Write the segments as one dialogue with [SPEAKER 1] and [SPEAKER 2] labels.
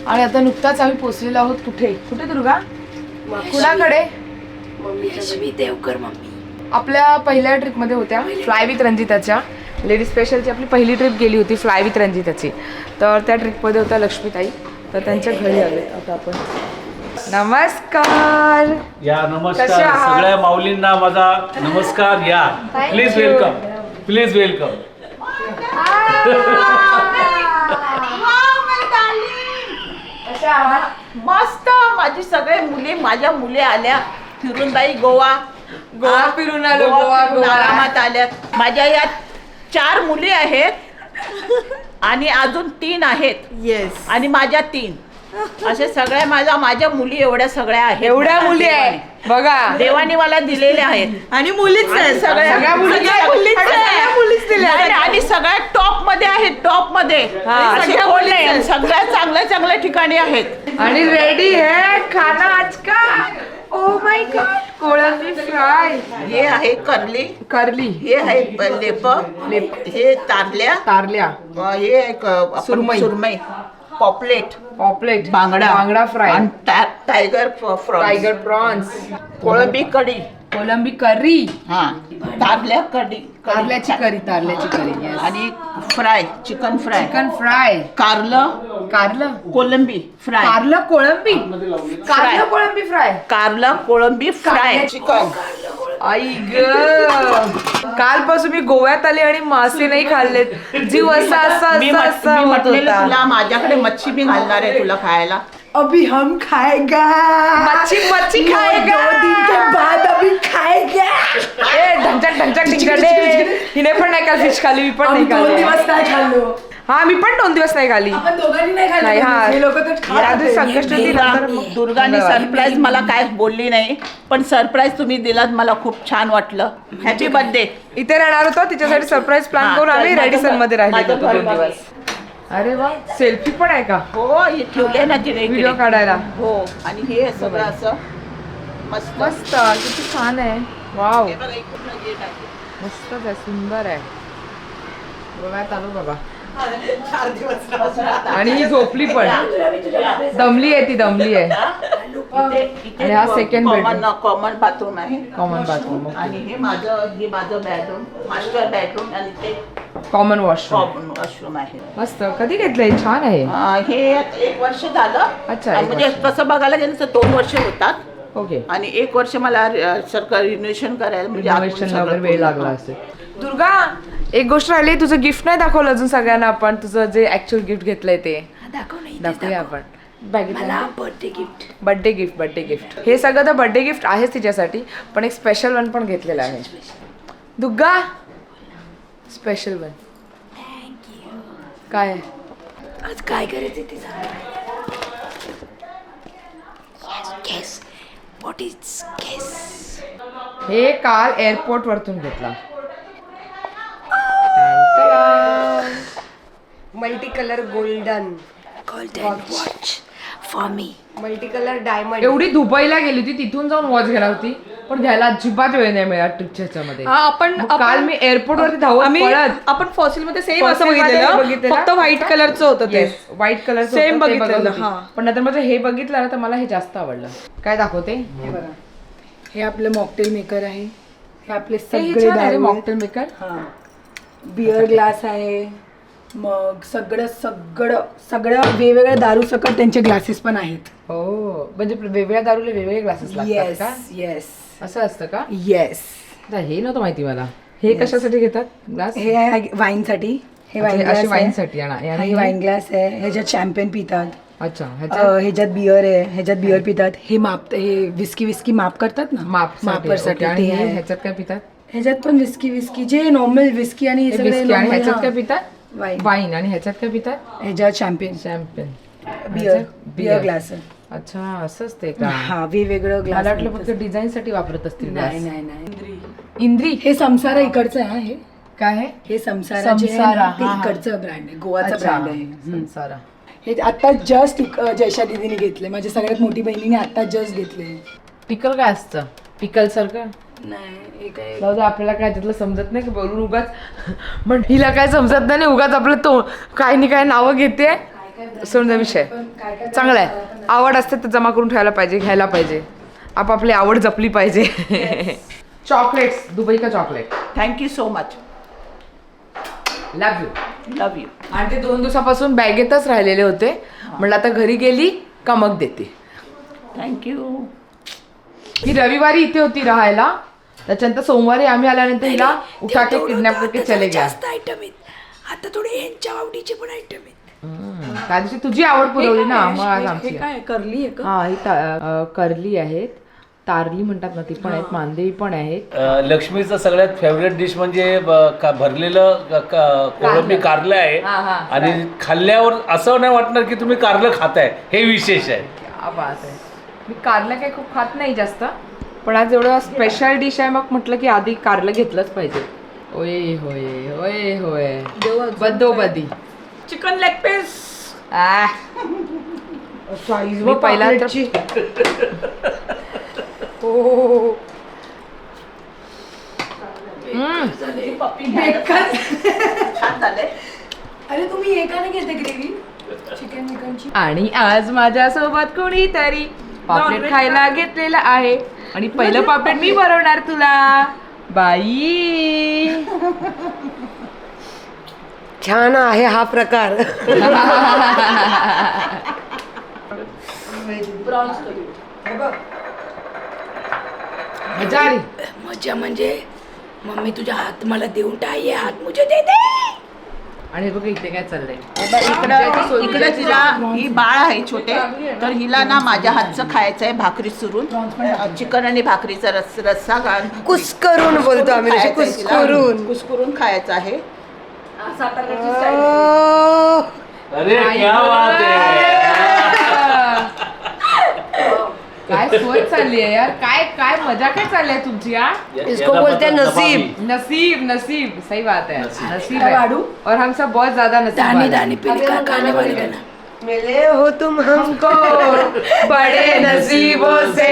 [SPEAKER 1] आणि आता नुकताच आम्ही पोहोचलेलो आहोत कुठे दुर्गा? कुणाकडे?
[SPEAKER 2] लक्ष्मी देवकर मम्मी.
[SPEAKER 1] आपल्या पहिल्या ट्रिपमध्ये होत्या फ्लाय विथ रंजिताच्या. लेडीज स्पेशलची आपली पहिली ट्रिप गेली होती फ्लाय विथ रंजिताची. तर त्या ट्रिपमध्ये होत्या लक्ष्मीताई. तर त्यांच्या घरी आले आता आपण. नमस्कार.
[SPEAKER 3] या नमस्कार सगळ्या माऊलींना माझा नमस्कार. या प्लीज वेलकम, प्लीज वेलकम.
[SPEAKER 2] मस्त. माझी सगळे मुली, माझ्या मुली आल्या फिरून. बाई गोवा
[SPEAKER 1] फिरून आलो. गोवा
[SPEAKER 2] आरामात आल्यात. माझ्या यात 4 मुली आहेत आणि अजून 3 आहेत.
[SPEAKER 1] येस.
[SPEAKER 2] आणि माझ्या 3 असे सगळ्या माझ्या मुली एवढ्या सगळ्या आहेत.
[SPEAKER 1] एवढ्या मुली आहे बघा.
[SPEAKER 2] देवाने मला दिलेल्या आहेत
[SPEAKER 1] आणि मुलीच आहेत. सगळ्या मुलीच दिल्या
[SPEAKER 2] आणि सगळ्या टॉप मध्ये आहेत. टॉप मध्ये सगळ्या चांगल्या ठिकाणी आहेत.
[SPEAKER 1] आणि रेडी है खाना आज का. Oh my god. कोळंबी फ्राय.
[SPEAKER 2] हे आहे करली. हे आहे लेप. हे तारल्या. हे आहे सुरमई. पॉपलेट
[SPEAKER 1] बांगडा फ्राय.
[SPEAKER 2] Tiger
[SPEAKER 1] prawns.
[SPEAKER 2] कोळंबी
[SPEAKER 1] करी.
[SPEAKER 2] हा तारल्या कढी.
[SPEAKER 1] कारल्याची करी.
[SPEAKER 2] आणि फ्राय चिकन फ्राय. कारलं कोळंबी फ्राय. कारलं कोळंबी फ्राय. चिकन.
[SPEAKER 1] आई ग. कालपासून मी गोव्यात आले आणि मासे नाही खाल्लेत. जीव असा
[SPEAKER 2] मी म्हटलेलं तुला माझ्याकडे मच्छी बी घालणार आहे तुला खायला.
[SPEAKER 1] अभी हम खाएगा. मच्छी खाएगा. 2 दिन के बाद अभी खाएगा. ए ढंचक हिने पण नाही काल फिश खाली. मी पण नाही खाल्ली.
[SPEAKER 4] 2 दिवस नाही खाल्लो.
[SPEAKER 1] हा मी पण 2 दिवस नाही खाली.
[SPEAKER 4] आपण दोघांनी नाही खाल्लो.
[SPEAKER 1] नाही, हा.
[SPEAKER 4] हे लोक तर खात होते.
[SPEAKER 1] संकष्ट
[SPEAKER 2] दुर्गाने सरप्राईज मला काय बोलली नाही, पण सरप्राईज तुम्ही दिलात. मला खूप छान वाटलं. Happy birthday.
[SPEAKER 1] इथे राहणार होतो तिच्यासाठी सरप्राईज प्लॅन करून आम्ही रेडिसन मध्ये राहिले होतो 2 दिवस. अरे वा. सेल्फी पण आहे का?
[SPEAKER 2] हो हे ठेवले ना तिने
[SPEAKER 1] व्हिडिओ काढायला.
[SPEAKER 2] हो. आणि हे सगळं असं मस्त
[SPEAKER 1] मस्त किती छान आहे. वाव
[SPEAKER 2] हे बघा, इकडून gate आहे.
[SPEAKER 1] मस्तच आहे. सुंदर आहे. गोव्यात आलो बाबा.
[SPEAKER 2] 4 दिवस
[SPEAKER 1] आणि ही झोपली पण. दमली आहे. आणि हा सेकंड बेडरूम.
[SPEAKER 2] कॉमन बाथरूम आहे.
[SPEAKER 1] Common bathroom.
[SPEAKER 2] आणि हे माझं बेडरूम, मास्टर बेडरूम. आणि ते
[SPEAKER 1] कॉमन वॉशरूम.
[SPEAKER 2] कॉमन वॉशरूम आहे.
[SPEAKER 1] मस्त. कधी घेतलंय? छान आहे.
[SPEAKER 2] हे 1 वर्ष झालं.
[SPEAKER 1] अच्छा, 1
[SPEAKER 2] म्हणजे
[SPEAKER 1] वर्ष.
[SPEAKER 2] तसं बघायला गेलं तर 2 वर्ष होतात.
[SPEAKER 1] ओके.
[SPEAKER 2] आणि 1 वर्ष मला सरकार रिनोव्हेशन करायला म्हणजे
[SPEAKER 1] रिनोव्हेशनला वगैरे वेळ लागला असेल. दुर्गा एक गोष्ट राहिली. तुझं गिफ्ट नाही दाखवलं अजून सगळ्यांना. आपण तुझं जे ऍक्च्युअल गिफ्ट घेतलंय ते दाखवूया आपण. Birthday gift. हे सगळं तर बर्थडे गिफ्ट आहेच तिच्यासाठी, पण एक स्पेशल वन पण घेतलेलं आहे. Durga special one. काय आहे?
[SPEAKER 4] आज काय करायचं ते सांग.
[SPEAKER 1] हे काल एअरपोर्ट वरतून घेतला.
[SPEAKER 4] Multi colour golden
[SPEAKER 2] watch for me.
[SPEAKER 4] Multi colour diamond.
[SPEAKER 1] एवढी दुबईला गेली होती, तिथून जाऊन वॉच घ्यायला होती, पण घ्यायला अजिबात वेळ नाही मिळाला ट्रिपच्या ह्याच्यामध्ये. काल मी एअरपोर्ट वरती धावत पळत.
[SPEAKER 5] आपण फॉसिल मध्ये सेम असं बघितलेलं, फक्त व्हाईट कलरचं होतं ते.
[SPEAKER 1] व्हाईट कलर
[SPEAKER 5] सेम बघितलेलं.
[SPEAKER 1] पण नंतर माझं हे बघितलं ना तर मला हे जास्त आवडलं. काय दाखवते?
[SPEAKER 4] हे बघा. हे आपलं मॉकटेल मेकर आहे. हे आपले सगळे
[SPEAKER 1] मॉकटेल मेकर.
[SPEAKER 4] बिअर ग्लास आहे. मग सगळं वेगवेगळ्या दारू सकट त्यांचे ग्लासेस पण आहेत.
[SPEAKER 1] हो. म्हणजे वेगवेगळ्या दारूला वेगवेगळे ग्लासेस लागतात का?
[SPEAKER 4] येस.
[SPEAKER 1] असं असतं का?
[SPEAKER 4] येस.
[SPEAKER 1] हे नव्हतं माहिती मला. हे कशासाठी घेतात ग्लास?
[SPEAKER 4] हे आहे वाईन साठी. हे वाईन ग्लास
[SPEAKER 1] वाईन साठी.
[SPEAKER 4] हे वाईन ग्लास आहे. ह्याच्यात शॅम्पेन पितात.
[SPEAKER 1] अच्छा.
[SPEAKER 4] ह्याच्यात बिअर आहे. ह्याच्यात बिअर पितात. हे विस्की माप करतात ना, मापसाठी ते आहे.
[SPEAKER 1] ह्याच्यात काय पितात?
[SPEAKER 4] ह्याच्यात पण विस्की जे नॉर्मल विस्की आणि
[SPEAKER 1] ह्याच्यात काय पितात?
[SPEAKER 4] वाईन.
[SPEAKER 1] आणि ह्याच्यात काय पितात?
[SPEAKER 4] ह्याच्यात शॅम्पेन बिअर ग्लास.
[SPEAKER 1] अच्छा असं असते का?
[SPEAKER 4] हा वेगवेगळं ग्लास.
[SPEAKER 1] मला वाटलं फक्त डिझाईन साठी वापरत असतील.
[SPEAKER 4] नाही.
[SPEAKER 1] इंद्री.
[SPEAKER 4] हे संसारा इकडचं आहे. हे
[SPEAKER 1] काय आहे?
[SPEAKER 4] हे संसारा इकडचं ब्रँड आहे. गोवाचा ब्रँड आहे.
[SPEAKER 1] संसारा.
[SPEAKER 4] हे आता जस्ट जयशा दीदीने घेतले. माझ्या सगळ्यात मोठी बहिणीने आता जस्ट घेतले.
[SPEAKER 1] पिकल काय असतं? पिकल सारखं
[SPEAKER 4] नाही.
[SPEAKER 1] आपल्याला काय त्यातलं समजत नाही की बोलून उगाच. पण हिला काय समजत नाही. उगाच आपलं तो काय नाही काय नावं घेते. सोडून विषय चांगला आहे. आवड असते तर जमा करून ठेवायला पाहिजे, घ्यायला पाहिजे. आपापली आवड जपली पाहिजे. चॉकलेट्स, दुबई का chocolate.
[SPEAKER 2] Thank you so much.
[SPEAKER 1] Love you.
[SPEAKER 2] Love you.
[SPEAKER 1] आणि ते 2 दिवसापासून बॅगेतच राहिलेले होते. म्हटलं आता घरी गेली का मग देते.
[SPEAKER 2] थँक्यू.
[SPEAKER 1] ही रविवारी इथे होती राहायला. त्याच्यानंतर सोमवारी आम्ही आल्यानंतर हिला उठा के किडनॅप करके चले गया.
[SPEAKER 4] जास्त आयटम आहेत. आता थोडे ह्यांच्या आवडीचे पण आयटम आहेत.
[SPEAKER 1] त्या दिवशी तुझी आवड पुरवली ना, मग आज आमची.
[SPEAKER 4] काय करली आहे का?
[SPEAKER 1] हा ही करली आहेत, तारली म्हणतात ना ती पण आहेत, मांदेवी पण आहेत.
[SPEAKER 3] लक्ष्मीचं सगळ्यात फेवरेट डिश म्हणजे भरलेलं कोळंबी कारलं आहे. आणि खाल्ल्यावर असं नाही वाटणार की तुम्ही कारलं खाताय, हे विशेष आहे.
[SPEAKER 1] क्या बात आहे. मी कारलं काही खूप खात नाही जास्त, पण आज एवढं स्पेशल डिश आहे, मग म्हटलं की आधी कारलं घेतलंच पाहिजे. ओय होय होय होय बदोबदी.
[SPEAKER 5] Chicken leg piece.
[SPEAKER 1] मी पहिला तर
[SPEAKER 2] छान झालंय.
[SPEAKER 4] अरे तुम्ही एकाने घेते ग्रेव्ही चिकन चिकनची.
[SPEAKER 1] आणि आज माझ्यासोबत कोणीतरी पापलेट खायला घेतलेलं आहे आणि पहिलं पापलेट मी बनवणार तुला बाई.
[SPEAKER 6] छान आहे हा प्रकार.
[SPEAKER 1] मजा आली.
[SPEAKER 4] मजा म्हणजे मम्मी तुझा हात मला देऊन टाक, हात मुझे दे दे.
[SPEAKER 1] आणि बघ इथे काय चाललंय.
[SPEAKER 2] इकडे तिला ही बाळ आहे छोटे, तर हिला ना माझ्या हातचं खायचं आहे, भाकरी सुरून चिकन आणि भाकरीचा रस्सा घालून
[SPEAKER 6] कुस्करून बोलतो आम्ही, तसे कुस्करून.
[SPEAKER 2] कुस्करून खायचं आहे.
[SPEAKER 3] अरे क्या बात आहे.
[SPEAKER 1] काय सोय चालली आहे यार. काय काय मजा काय चालली आहे तुमची यार.
[SPEAKER 6] इसको बोलते हैं नसीब.
[SPEAKER 1] नसीब नसीब सही बात है. नसीब
[SPEAKER 4] है.
[SPEAKER 1] है और हम सब बहुत ज्यादा नसीब
[SPEAKER 4] दाने
[SPEAKER 1] वाले हैं.
[SPEAKER 4] दाने पे लिखा खाने वाले का ना.
[SPEAKER 6] मिले हो तुम हमको
[SPEAKER 1] बड़े नसीबों से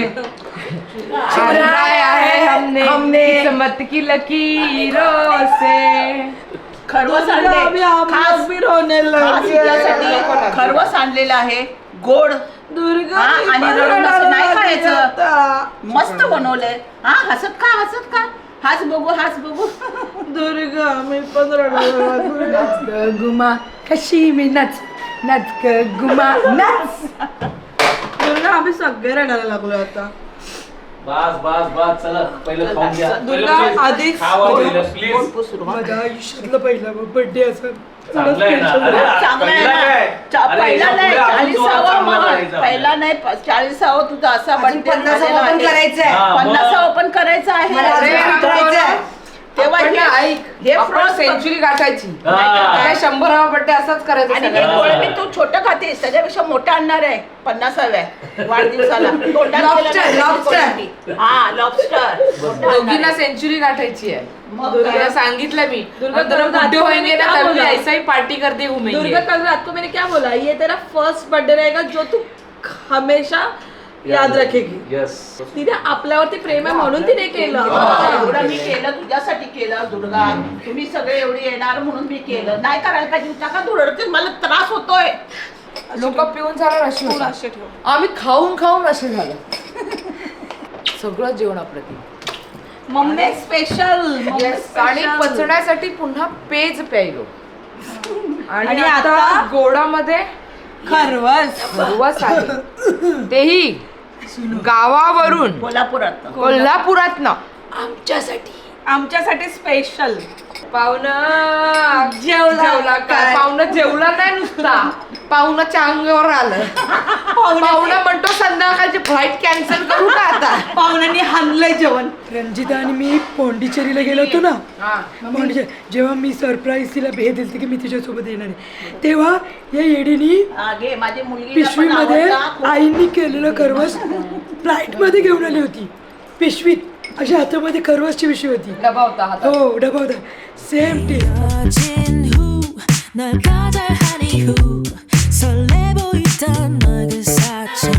[SPEAKER 1] चुराया है हमने किस्मत की लकीरों से.
[SPEAKER 2] खरवस आणले खास हिच्यासाठी खरवस आणलेलं आहे गोड.
[SPEAKER 5] दुर्गा
[SPEAKER 2] आणि रडून असं नाही खायचं. मस्त बनवलंय. हा हसत खा हाच बघू.
[SPEAKER 5] दुर्गा मी पण रडणार.
[SPEAKER 4] नाच ग गुमा कशी मी नाच नाच ग गुमा नाच.
[SPEAKER 5] दुर्गा आम्ही सगळे रडायला लागलो आता.
[SPEAKER 3] बस चला पहिलं खाऊन घ्या.
[SPEAKER 5] दुर्गा आधीच
[SPEAKER 3] प्लीज.
[SPEAKER 4] माझ्या आयुष्यातला पहिला बर्थडे असं
[SPEAKER 3] चांगलं आहे ना. अरे
[SPEAKER 2] चांगला आहे
[SPEAKER 3] पहिला काय?
[SPEAKER 2] ना.
[SPEAKER 3] अरे
[SPEAKER 2] पहिला
[SPEAKER 3] याच्या
[SPEAKER 2] नाही
[SPEAKER 3] पुढे अजून
[SPEAKER 2] 40वा
[SPEAKER 3] चांगला
[SPEAKER 2] मग.
[SPEAKER 3] करायचा.
[SPEAKER 2] पहिला नाही 40वा तुझा असा बर्थडे
[SPEAKER 6] 50 पण करायचंय.
[SPEAKER 3] हा, मग.
[SPEAKER 2] 50 पण करायचं आहे.
[SPEAKER 6] मला
[SPEAKER 1] अरे,
[SPEAKER 6] अजून
[SPEAKER 1] आपण
[SPEAKER 6] करायचंय.
[SPEAKER 2] तेव्हा
[SPEAKER 1] आपण ना
[SPEAKER 2] हे-
[SPEAKER 1] ऐक
[SPEAKER 2] हे
[SPEAKER 1] आपण
[SPEAKER 2] frost
[SPEAKER 1] सेंचुरी गाठायची.
[SPEAKER 3] हा.
[SPEAKER 1] काय 100वा बर्थडे असाच करायचा
[SPEAKER 2] आणि
[SPEAKER 1] सगळ्यांना.
[SPEAKER 2] कोळंबी तू छोटं खातेस, त्याच्यापेक्षा मोठं आणणार आहे 50व्या वाढदिवसाला. तोंडात
[SPEAKER 6] Lobster,
[SPEAKER 2] केलं ना
[SPEAKER 6] lobster.
[SPEAKER 2] कोळंबी. हा लॉबस्टर.
[SPEAKER 1] दोघींना सेंचुरी गाठायची आहे.
[SPEAKER 2] मग
[SPEAKER 1] तुला सांगितलं मी
[SPEAKER 5] दुर्गा,
[SPEAKER 1] दुर्गा
[SPEAKER 5] दुर्गा,
[SPEAKER 1] बुड्ढे होंगे ना
[SPEAKER 5] क्या
[SPEAKER 1] तभी
[SPEAKER 5] बोला?
[SPEAKER 1] ऐसा ही पार्टी करते घूमेंगे.
[SPEAKER 5] दुर्गा कल रात को मैंने क्या बोला, ये तेरा फर्स्ट बर्थडे रहेगा जो तू हमेशा याद रखेगी.
[SPEAKER 3] येस.
[SPEAKER 5] तिने आपल्यावरती प्रेम आहे म्हणून तिने केलं.
[SPEAKER 2] एवढं मी केलं तुझ्यासाठी केलं दुर्गा. तुम्ही सगळे एवढी येणार म्हणून मी केलं. नाही करायला पाहिजे होता का तू रडते. मला त्रास होतोय.
[SPEAKER 1] लोक पिऊन झालं अशी होतात.
[SPEAKER 5] असे ठेव.
[SPEAKER 1] आम्ही खाऊन असे झालं. सगळं जेवण अप्रतिम.
[SPEAKER 5] Mummy special.
[SPEAKER 1] आणि पचण्यासाठी पुन्हा पेज प्यायलो. आणि
[SPEAKER 5] आणि
[SPEAKER 1] आता
[SPEAKER 5] आता
[SPEAKER 1] गोडामध्ये
[SPEAKER 5] खरवस.
[SPEAKER 1] खरवस आहे, तेही गावावरून कोल्हापुरातनं
[SPEAKER 5] आमच्यासाठी स्पेशल.
[SPEAKER 1] पाहुणं जेवला काय. पाहुणं जेवला नाही नुसता, पाहुणाच्या अंगावर आलं. पाहुणं म्हणतो संध्याकाळची फ्लाईट कॅन्सल करू का आता.
[SPEAKER 5] पाहुण्यांनी हाणलंय जेवण.
[SPEAKER 4] रंजिता आणि मी पोंडिचेरीला गेलो होतो ना. जेव्हा मी सरप्राईज तिला भेट दिली की मी तिच्यासोबत येणार आहे, तेव्हा या येडीनी
[SPEAKER 2] आगे माझी मुलगी
[SPEAKER 4] पिशवीमध्ये आईनी केलेलं खरवस फ्लाईट मध्ये घेऊन आली होती. पिशवीत अशा हातामध्ये खरवसची पिशवी होती.
[SPEAKER 1] डबा होता हातात.
[SPEAKER 4] हो डबा होता. Same taste.
[SPEAKER 7] 여진 후 널 거절하니 후 설레 보이던 너의 그 사진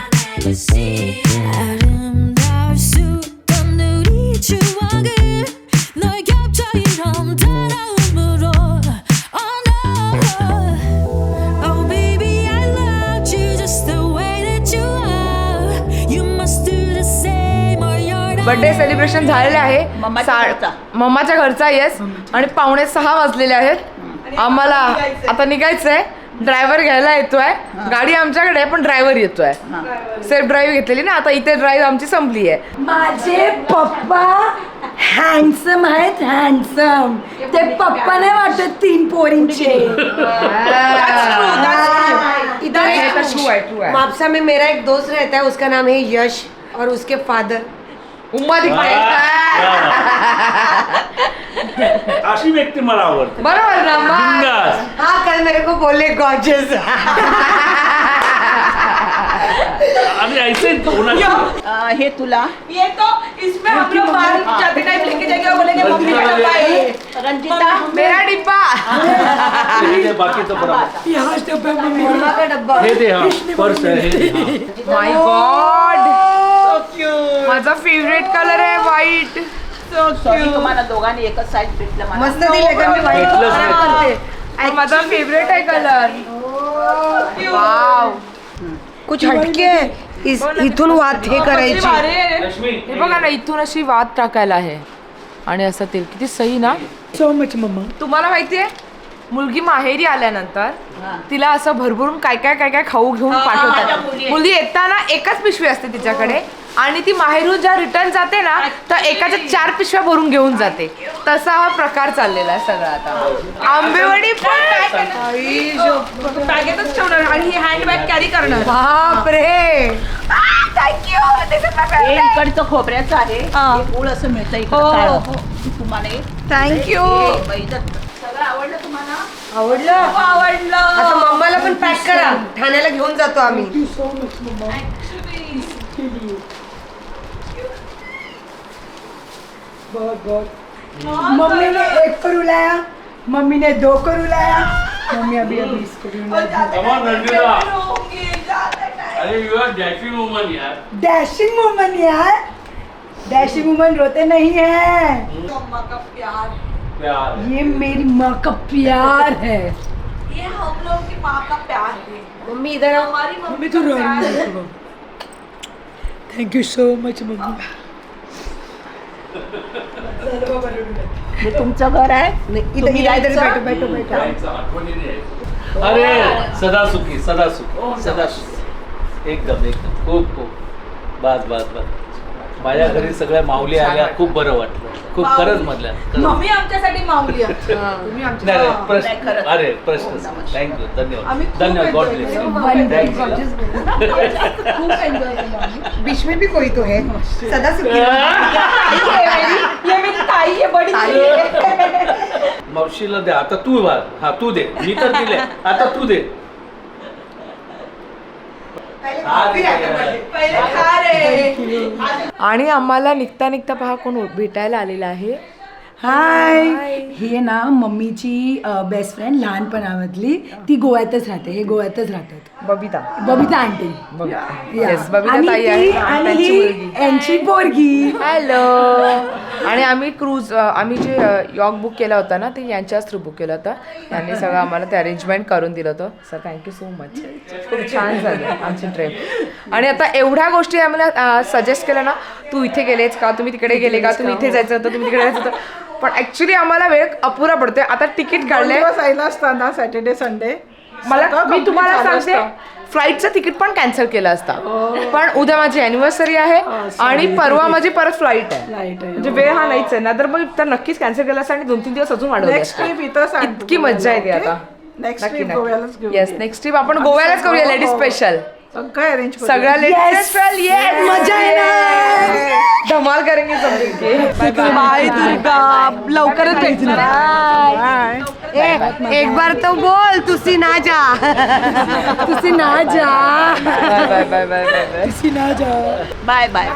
[SPEAKER 7] 아름다울 수 없던 우리 추억을 너의 겹쳐 이런 따라움으로 Oh no Oh
[SPEAKER 1] birthday celebration झालेले आहे
[SPEAKER 2] मम्माच्या घरचा.
[SPEAKER 1] मम्माच्या घरचा येस आणि 5:45 वाजलेले आहेत. आम्हाला आता निघायचंय. ड्रायव्हर घ्यायला येतोय. गाडी आमच्याकडे आहे पण ड्रायव्हर येतोय. सेल्फ ड्राईव्ह घेतलेली ना आता. इथे ड्राईव्ह आमची संपली आहे.
[SPEAKER 4] माझे पप्पा हँडसम आहेत, हँडसम. ते पप्पा नाही वाटत 3 पोरींचे.
[SPEAKER 1] ट्रू आहे.
[SPEAKER 6] मापसा में मेरा एक दोस्त रहता है, उसका नाम है यश और उसके फादर
[SPEAKER 1] उम्मा दिखाई.
[SPEAKER 3] अशी व्यक्ती मला आवडते.
[SPEAKER 1] बरोबर ना मग?
[SPEAKER 3] बिंदास.
[SPEAKER 6] हाँ कल मेरे को बोले गॉर्जियस.
[SPEAKER 3] आणि ऐसे
[SPEAKER 2] हे तुला
[SPEAKER 5] ये तो इसमें हम लोग बाहर जाते टाइम लेके जाएंगे और बोलेंगे मम्मी का डब्बा है ये.
[SPEAKER 2] रंजिता
[SPEAKER 1] मेरा डिब्बा.
[SPEAKER 3] बाकीचं बरोबर.
[SPEAKER 4] ह्याच डब्यात मम्मी
[SPEAKER 6] का डब्बा.
[SPEAKER 3] हे दे हा पर्स आहे हे दे, हा.
[SPEAKER 1] My god. माझा फेवरेट कलर आहे व्हाईट.
[SPEAKER 2] सॉरी तुम्हाला दोघांनी एकच साईज भेटलं मला.
[SPEAKER 6] मस्त दिले का मी वाईट
[SPEAKER 3] भेटलंच नाही.
[SPEAKER 1] माझा फेवरेट आहे कलर. वाव.
[SPEAKER 6] कुछ हटके है. इथून वात हे करायची.
[SPEAKER 3] लक्ष्मी
[SPEAKER 1] हे बघा ना इथून अशी वात टाकायला आहे आणि असं तेल किती सही ना.
[SPEAKER 4] So much mama.
[SPEAKER 1] तुम्हाला माहितीये मुलगी माहेरी आल्यानंतर तिला असं भरभरून काय काय खाऊ घेऊन पाठवतात. मुलगी येताना एकच पिशवी असते तिच्याकडे आणि ती माहेरून ज्या रिटर्न जाते ना तर एकाच्या 4 पिशव्या भरून घेऊन जाते. तसा हा प्रकार चाललेला आहे सगळा आता. आंबेवडी पण
[SPEAKER 5] बॅगेतच ठेवणार आणि ही हँडबॅग कॅरी करणार.
[SPEAKER 6] बापरे.
[SPEAKER 2] हे इकडचं खोबऱ्याचं आहे. हे गुळ असं मिळतं इकडं काळं. तुम्हाला
[SPEAKER 5] थँक्यू.
[SPEAKER 2] सगळं आवडलं तुम्हाला?
[SPEAKER 6] आवडलं.
[SPEAKER 5] आवडलं.
[SPEAKER 6] आता मम्माला पण पॅक करा. ठाण्याला घेऊन जातो आम्ही.
[SPEAKER 4] मम्मी ने 1 करू लाया, मम्मी ने 2 करू लाया, मम्मी अभी इसको
[SPEAKER 3] अरे यू आर डॅशिंग वुमन यार.
[SPEAKER 4] डैशिंग वुमन यार. डैशिंग वुमन रोते नहीं है.
[SPEAKER 5] मम्मा का प्यार.
[SPEAKER 3] प्यार.
[SPEAKER 4] ये मेरी माँ का प्यार है.
[SPEAKER 5] ये हम लोग की माँ का प्यार है.
[SPEAKER 6] मम्मी इधर आओ.
[SPEAKER 5] हमारी
[SPEAKER 4] मम्मी
[SPEAKER 5] मम्मी
[SPEAKER 4] तो
[SPEAKER 5] का
[SPEAKER 4] रो
[SPEAKER 5] प्यार
[SPEAKER 4] रही
[SPEAKER 5] है.
[SPEAKER 4] है. Thank you so much mummy.
[SPEAKER 2] हे तुमचं घर आहे.
[SPEAKER 6] इधर
[SPEAKER 2] तुम्ही
[SPEAKER 6] इधर
[SPEAKER 2] यायचं?
[SPEAKER 6] बैठो बैठो बैठो.
[SPEAKER 3] जायचं, आठवणीने यायचं. अरे सदा सुखी सदा सुखी सदा सुखी. एकदम खूप बस बस बस. माझ्या घरी सगळ्या माऊली आल्या. खूप बरं वाटलं. खूप खरंच मधल्या
[SPEAKER 5] मम्मी आमच्यासाठी माऊली आहे.
[SPEAKER 3] नाही प्रश्न.
[SPEAKER 2] नाही, खरंच.
[SPEAKER 3] अरे प्रश्न थँक्यू धन्यवाद
[SPEAKER 5] आम्ही खूप
[SPEAKER 3] धन्यवाद. गॉड
[SPEAKER 5] enjoy
[SPEAKER 3] ब्लेस
[SPEAKER 5] केलं.
[SPEAKER 3] यू.
[SPEAKER 5] खूप एन्जॉय केलं आम्ही.
[SPEAKER 6] बीच में भी कोई तो है. सदा सुखी.
[SPEAKER 5] ये मेरी ताई है, बड़ी ताई है.
[SPEAKER 3] मावशीला दे आता. तू वाल. हा तू दे. मी तर दिले. आता तू दे.
[SPEAKER 5] पहिले खा रे.
[SPEAKER 1] आणि आम्हाला निघता पहा कोण भेटायला आलेला आहे.
[SPEAKER 4] हाय. हे ना मम्मीची बेस्ट फ्रेंड लहानपणामधली. ती गोव्यातच राहते. हे गोव्यातच राहतात.
[SPEAKER 1] बबिता.
[SPEAKER 4] बबिता आंटी.
[SPEAKER 1] येस बबिता
[SPEAKER 4] आणि
[SPEAKER 1] ताई आहे
[SPEAKER 4] ती
[SPEAKER 1] आणि
[SPEAKER 4] आणि
[SPEAKER 1] त्यांची
[SPEAKER 4] ही
[SPEAKER 1] मुलगी.
[SPEAKER 4] यांची पोरगी.
[SPEAKER 1] हॅलो. आणि आम्ही क्रूज आम्ही जे यॉक बुक केला होता ना ते यांच्याच थ्रू बुक केलं होतं. यांनी सगळं आम्हाला ते अरेंजमेंट करून दिलं होतं. Sir thank you so much. खूप छान झालं आमची ट्रिप. आणि आता एवढ्या गोष्टी आम्हाला सजेस्ट केल्या ना. तू इथे गेलेच का, तुम्ही तिकडे गेले का, तुम्ही इथे जायचं होतं, तुम्ही तिकडे जायचं होतं. पण ॲक्च्युली आम्हाला वेळ अपुरा पडतोय. आता तिकीट काढले.
[SPEAKER 5] असताना सॅटर्डे संडे
[SPEAKER 1] मला मी तुम्हाला सांगते फ्लाईटचं तिकीट पण कॅन्सल केलं असता. पण उद्या माझी अॅनिव्हर्सरी आहे आणि परवा माझी परत फ्लाईट आहे. म्हणजे वेळ हा नाहीच आहे ना. तर मग तर नक्कीच कॅन्सल केलं असतं आणि 2-3 दिवस अजून वाढवले असते. इतकी मज्जा येते आता. येस नेक्स्ट ट्रिप आपण गोव्यालाच करूया. लेडीज स्पेशल सगळ्या लेडीज स्पेशल. येस
[SPEAKER 4] मजा येणार.
[SPEAKER 1] धमाल करेंगे सब मिलके.
[SPEAKER 5] बाय दुर्गा. लवकरच भेटणार.
[SPEAKER 6] एक बार तो बोल. तुसी ना जा.
[SPEAKER 4] तुसी ना जा.
[SPEAKER 1] Bye bye bye bye bye.
[SPEAKER 4] तुसी ना जा.
[SPEAKER 2] Bye bye.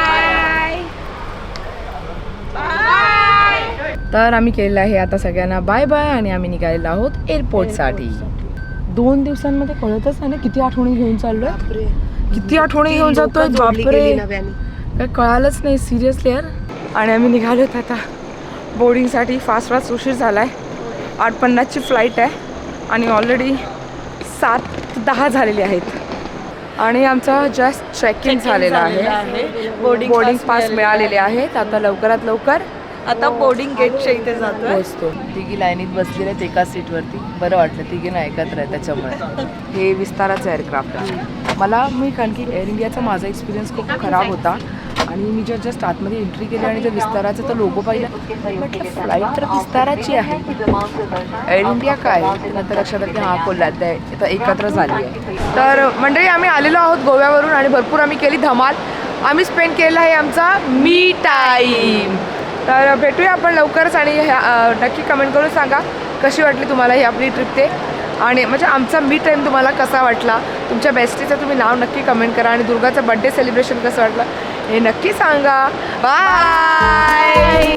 [SPEAKER 1] तर आम्ही केलेलं आहे आता सगळ्यांना बाय बाय आणि आम्ही निघालेलो आहोत एअरपोर्टसाठी. 2 दिवसांमध्ये कळतच नाही ना किती आठवणी घेऊन चाललोय. किती आठवणी घेऊन जातोय. बापरे काय कळालंच नाही सिरियसली यार. आणि आम्ही निघालोत आता बोर्डिंगसाठी. फास्ट उशीर झाला आहे. 8:50ची फ्लाईट आहे आणि ऑलरेडी 7:10 झालेली आहेत. आणि आमचं जस्ट चेक इन झालेलं आहे. बोर्डिंग पास मिळालेले आहेत. आता लवकरात लवकर
[SPEAKER 5] आता बोर्डिंग गेटच्या इथे जातोय.
[SPEAKER 1] पोहोचतो. तिघी लाईनीत बसलेले आहेत एका सीटवरती. बरं वाटलं तिघींना एकत्र आहे त्याच्यामुळे. हे विस्ताराचं एअरक्राफ्ट आहे. मी कारण की एअर इंडियाचा माझा एक्सपिरियन्स खूप खराब होता आणि मी जस्ट आतमध्ये एंट्री केली आणि त्या विस्ताराचा तो लोगो पाहिला म्हटलं फ्लाईट तर विस्ताराची आहे, एअर इंडिया काय. नंतर लक्षात आलं की हा कोल्हात आहे. आता एकत्र झाली आहे. तर मंडळी आम्ही आलेलो आहोत गोव्यावरून आणि भरपूर आम्ही केली धमाल. आम्ही स्पेंड केलेला आहे आमचा मी टाईम. तर भेटूया आपण लवकरच आणि नक्की कमेंट करून सांगा कशी वाटली तुम्हाला ही आपली ट्रिप ते. आणि म्हणजे आमचा मी टाईम तुम्हाला कसा वाटला. तुमच्या बेस्टीचं तुम्ही नाव नक्की कमेंट करा आणि दुर्गाचं बड्डे सेलिब्रेशन कसं वाटलं हे नक्की सांगा. बाय.